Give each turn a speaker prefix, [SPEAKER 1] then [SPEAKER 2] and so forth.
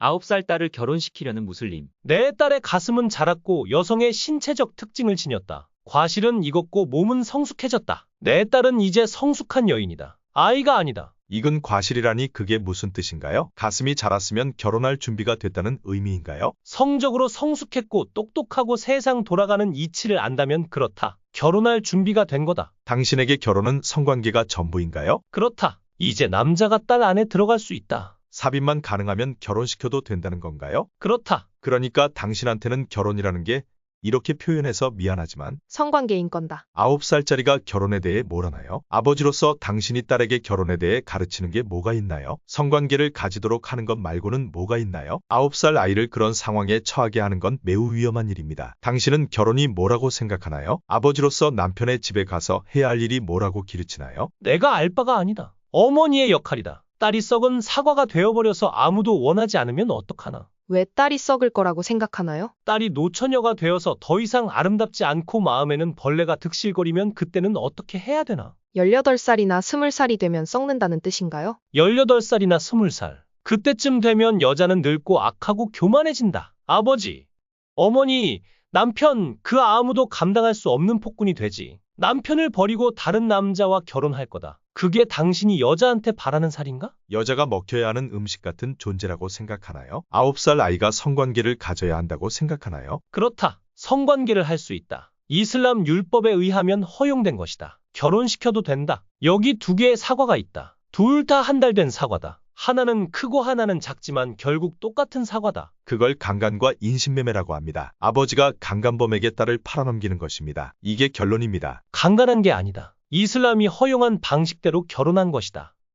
[SPEAKER 1] 9살 딸을 결혼시키려는 무슬림.
[SPEAKER 2] 내 딸의 가슴은 자랐고 여성의 신체적 특징을 지녔다. 과실은 익었고 몸은 성숙해졌다. 내 딸은 이제 성숙한 여인이다. 아이가 아니다.
[SPEAKER 3] 익은 과실이라니 그게 무슨 뜻인가요? 가슴이 자랐으면 결혼할 준비가 됐다는 의미인가요?
[SPEAKER 2] 성적으로 성숙했고 똑똑하고 세상 돌아가는 이치를 안다면 그렇다. 결혼할 준비가 된 거다.
[SPEAKER 3] 당신에게 결혼은 성관계가 전부인가요?
[SPEAKER 2] 그렇다. 이제 남자가 딸 안에 들어갈 수 있다.
[SPEAKER 3] 삽입만 가능하면 결혼시켜도 된다는 건가요?
[SPEAKER 2] 그렇다.
[SPEAKER 3] 그러니까 당신한테는 결혼이라는 게 이렇게 표현해서 미안하지만
[SPEAKER 4] 성관계인 건다.
[SPEAKER 3] 9살짜리가 결혼에 대해 뭘 아나요? 아버지로서 당신이 딸에게 결혼에 대해 가르치는 게 뭐가 있나요? 성관계를 가지도록 하는 것 말고는 뭐가 있나요? 9살 아이를 그런 상황에 처하게 하는 건 매우 위험한 일입니다. 당신은 결혼이 뭐라고 생각하나요? 아버지로서 남편의 집에 가서 해야 할 일이 뭐라고 기르치나요?
[SPEAKER 2] 내가 알 바가 아니다. 어머니의 역할이다. 딸이 썩은 사과가 되어버려서 아무도 원하지 않으면 어떡하나.
[SPEAKER 4] 왜 딸이 썩을 거라고 생각하나요?
[SPEAKER 2] 딸이 노처녀가 되어서 더 이상 아름답지 않고 마음에는 벌레가 득실거리면 그때는 어떻게 해야 되나?
[SPEAKER 4] 18살이나 20살이 되면 썩는다는 뜻인가요?
[SPEAKER 2] 18살이나 20살. 그때쯤 되면 여자는 늙고 악하고 교만해진다. 아버지, 어머니, 남편, 그 아무도 감당할 수 없는 폭군이 되지. 남편을 버리고 다른 남자와 결혼할 거다. 그게 당신이 여자한테 바라는 살인가?
[SPEAKER 3] 여자가 먹혀야 하는 음식 같은 존재라고 생각하나요? 9살 아이가 성관계를 가져야 한다고 생각하나요?
[SPEAKER 2] 그렇다. 성관계를 할 수 있다. 이슬람 율법에 의하면 허용된 것이다. 결혼시켜도 된다. 여기 두 개의 사과가 있다. 둘 다 한 달 된 사과다. 하나는 크고 하나는 작지만 결국 똑같은 사과다.
[SPEAKER 3] 그걸 강간과 인신매매라고 합니다. 아버지가 강간범에게 딸을 팔아넘기는 것입니다. 이게 결론입니다.
[SPEAKER 2] 강간한 게 아니다. 이슬람이 허용한 방식대로 결혼한 것이다.